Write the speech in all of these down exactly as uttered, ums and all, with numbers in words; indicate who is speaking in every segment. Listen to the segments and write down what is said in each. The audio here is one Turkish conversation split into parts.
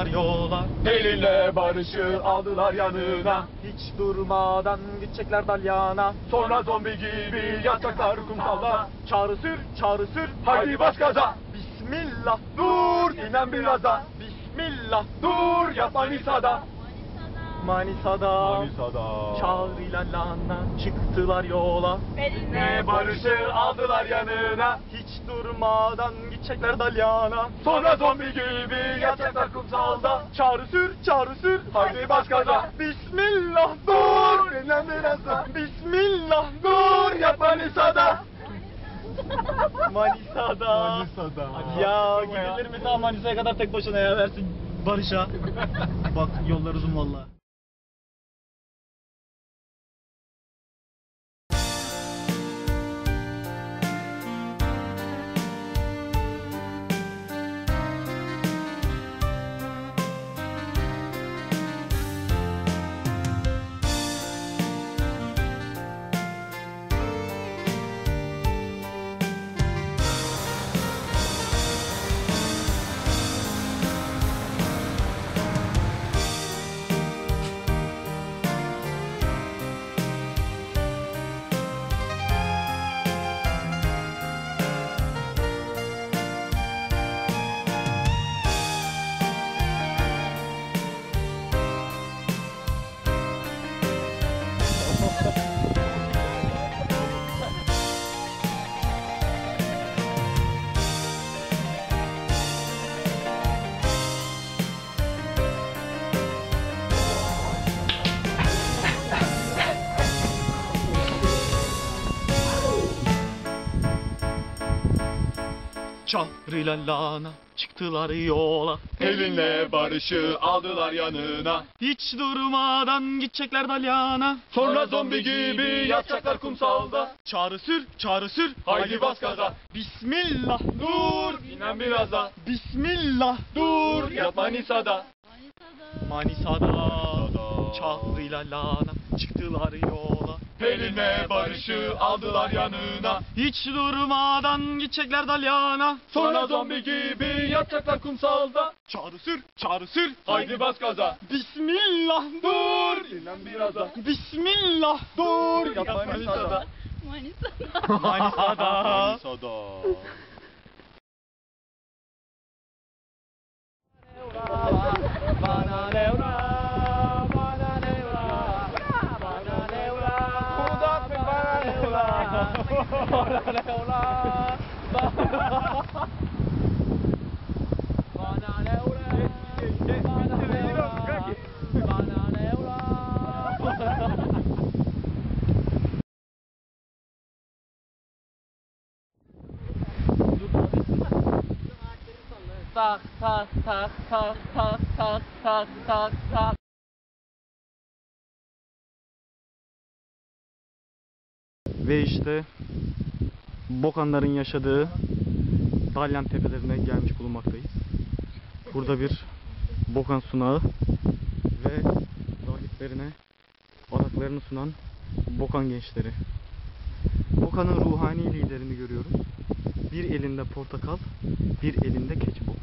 Speaker 1: çıktılar yola.
Speaker 2: Elinle barışı aldılar yanına.
Speaker 1: Hiç durmadan gidecekler dalyana.
Speaker 2: Sonra zombi gibi yatacaklar kumsalda.
Speaker 1: Çağrı sür, çağrı sür,
Speaker 2: Haydi bas gaza.
Speaker 1: Bismillah,
Speaker 2: Dur inen biraz da.
Speaker 1: Bismillah.
Speaker 2: Dur yat Manisa'da.
Speaker 1: Manisa'da,
Speaker 2: Manisa'da.
Speaker 1: Çağrı'yla Lana çıktılar yola.
Speaker 2: Elinle barışı aldılar yanına.
Speaker 1: Hiç durmadan gidecekler dalyana.
Speaker 2: Sonra zombi gibi yatacaklar kumsalda.
Speaker 1: Çağrı sür, çağrı sür,
Speaker 2: Haydi bas gaza.
Speaker 1: Bismillah,
Speaker 2: Dur inen biraz da.
Speaker 1: Bismillah,
Speaker 2: Dur yat Manisa'da.
Speaker 1: Manisa'da.
Speaker 2: Manisa'da.
Speaker 1: Ya gidilir mi daha Manisa'ya kadar tek başına ya, versin Barış'a. Bak yollar uzun valla. Çağrı'yla Lana çıktılar yola.
Speaker 2: Elinle barışı aldılar yanına.
Speaker 1: Hiç durmadan gidecekler dalyana.
Speaker 2: Sonra zombi gibi yatacaklar kumsalda.
Speaker 1: Çağrı sür, çağrı sür,
Speaker 2: Haydi bas gaza.
Speaker 1: Bismillah,
Speaker 2: Dur inen biraz da.
Speaker 1: Bismillah.
Speaker 2: Dur yat Manisa'da.
Speaker 1: Manisa'da, Çağrı'yla Lana çıktılar yola.
Speaker 2: Elinle barışı aldılar yanına.
Speaker 1: Hiç durmadan gidecekler dalyana.
Speaker 2: Sonra zombi gibi yatacaklar kumsalda.
Speaker 1: Çağrı sür, çağrı sür,
Speaker 2: Haydi bas gaza.
Speaker 1: Bismillah,
Speaker 2: Dur inen biraz da.
Speaker 1: Bismillah.
Speaker 2: Dur yat Manisa'da.
Speaker 3: Manisa'da.
Speaker 1: Manisa'da.
Speaker 2: Manisa'da.
Speaker 1: Bana nevra, bana nevra, bana nevra, Kudat bin bana nevra, bana nevra, bana nevra, bana nevra. Tak tak tak tak tak tak tak tak tak. Ve işte Bokanların yaşadığı Dalyan tepelerine gelmiş bulunmaktayız. Burada bir Bokan sunağı ve rahiplerine adaklarını sunan Bokan gençleri. Bokan'ın ruhani liderini görüyoruz. Bir elinde portakal, bir elinde keçibok.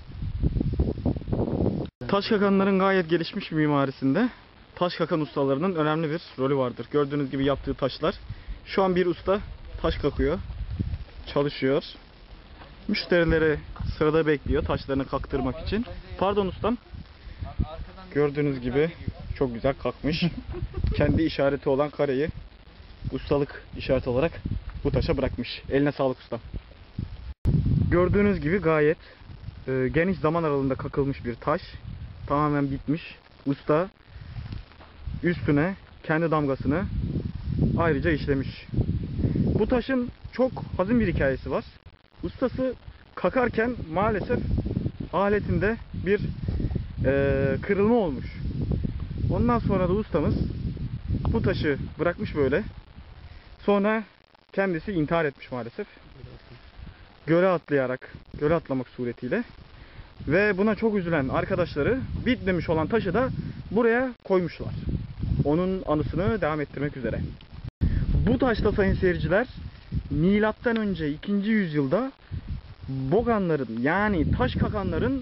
Speaker 1: Taş kakanların gayet gelişmiş bir mimarisinde taş kakan ustalarının önemli bir rolü vardır. Gördüğünüz gibi yaptığı taşlar. Şu an bir usta taş kakıyor, çalışıyor. Müşterileri sırada bekliyor taşlarını kaktırmak için. Pardon ustam. Gördüğünüz gibi çok güzel kakmış. Kendi işareti olan kareyi ustalık işareti olarak bu taşa bırakmış. Eline sağlık ustam. Gördüğünüz gibi gayet e, geniş zaman aralığında kakılmış bir taş. Tamamen bitmiş. Usta üstüne kendi damgasını ayrıca işlemiş. Bu taşın çok hazin bir hikayesi var. Ustası kakarken maalesef aletinde bir e, kırılma olmuş. Ondan sonra da ustamız bu taşı bırakmış böyle. Sonra kendisi intihar etmiş maalesef. Göle atlayarak, göle atlamak suretiyle. Ve buna çok üzülen arkadaşları bitmemiş olan taşı da buraya koymuşlar. Onun anısını devam ettirmek üzere. Bu taşta sayın seyirciler, milattan önce ikinci yüzyılda Boganların yani taş kakanların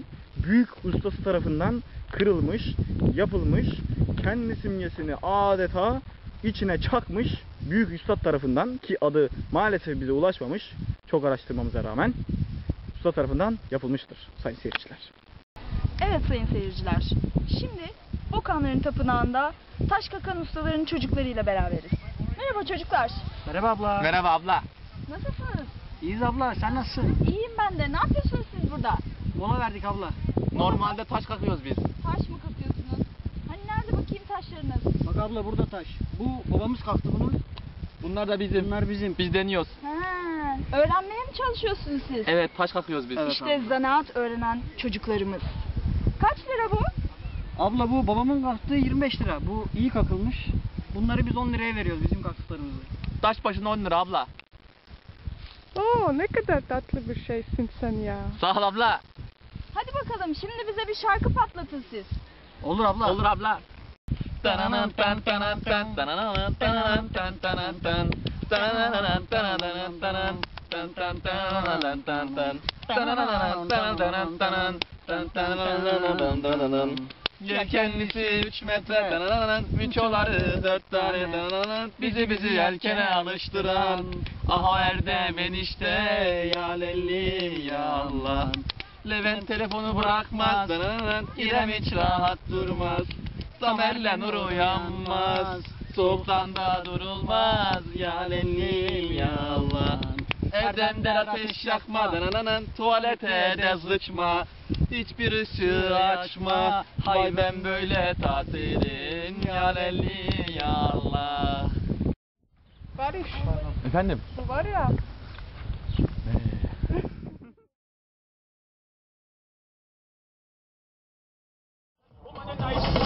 Speaker 1: büyük ustası tarafından kırılmış, yapılmış, kendi simgesini adeta içine çakmış büyük üstad tarafından, ki adı maalesef bize ulaşmamış çok araştırmamıza rağmen, usta tarafından yapılmıştır sayın seyirciler.
Speaker 3: Evet sayın seyirciler, şimdi Bokanların Tapınağı'nda taş kakan ustaların çocuklarıyla beraberiz. Merhaba çocuklar.
Speaker 4: Merhaba abla.
Speaker 2: Merhaba abla.
Speaker 3: Nasılsınız?
Speaker 4: İyiyiz abla, sen nasılsın?
Speaker 3: İyiyim ben de. Ne yapıyorsunuz siz burada?
Speaker 4: Mola verdik abla.
Speaker 2: Normalde taş kakıyoruz biz.
Speaker 3: Taş mı kakıyorsunuz? Hani nerede bakayım taşlarınız?
Speaker 4: Bak abla burada taş. Bu babamız kalktı bunu.
Speaker 2: Bunlar da bizim.
Speaker 4: Bunlar bizim.
Speaker 2: Biz deniyoruz.
Speaker 3: Ha, öğrenmeye mi çalışıyorsunuz siz?
Speaker 2: Evet, taş kakıyoruz biz.
Speaker 4: Evet.
Speaker 3: İşte zanaat öğrenen çocuklarımız. Kaç lira bu?
Speaker 4: Abla bu babamın kalktığı yirmi beş lira. Bu iyi kakılmış. Bunları biz on liraya veriyoruz bizim kalktıklarımızı.
Speaker 2: Taş başına on lira abla.
Speaker 5: Oo, ne kadar tatlı bir şeysin sen ya.
Speaker 2: Sağ ol abla.
Speaker 3: Hadi bakalım şimdi bize bir şarkı patlatın siz.
Speaker 4: Olur abla.
Speaker 2: Olur abla. Tananan tan tanan tan tananan tananan tan tanan tan tananan tananan tanan tan tan tananan tan tan tananan tananan tanan tan tananan tananan. Yelkenlisi üç metre tananan, miçoları dört tane tananan, bizi bizi yelkene alıştıran. Aha Erdem enişte ya lelli ya Allah. Levent telefonu bırakmaz tananan, İrem hiç rahat durmaz. Tamer'le Nur uyanmaz, soğuktan da durulmaz ya lelli ya Allah. Erdem der ateş yakma, danananan, tuvalete de sıçma, hiçbir ışığı açma, hay ben böyle tatilim ya lelli ya Allah.
Speaker 5: Barış,
Speaker 2: Efendim?
Speaker 5: bu var ya,
Speaker 1: Nice.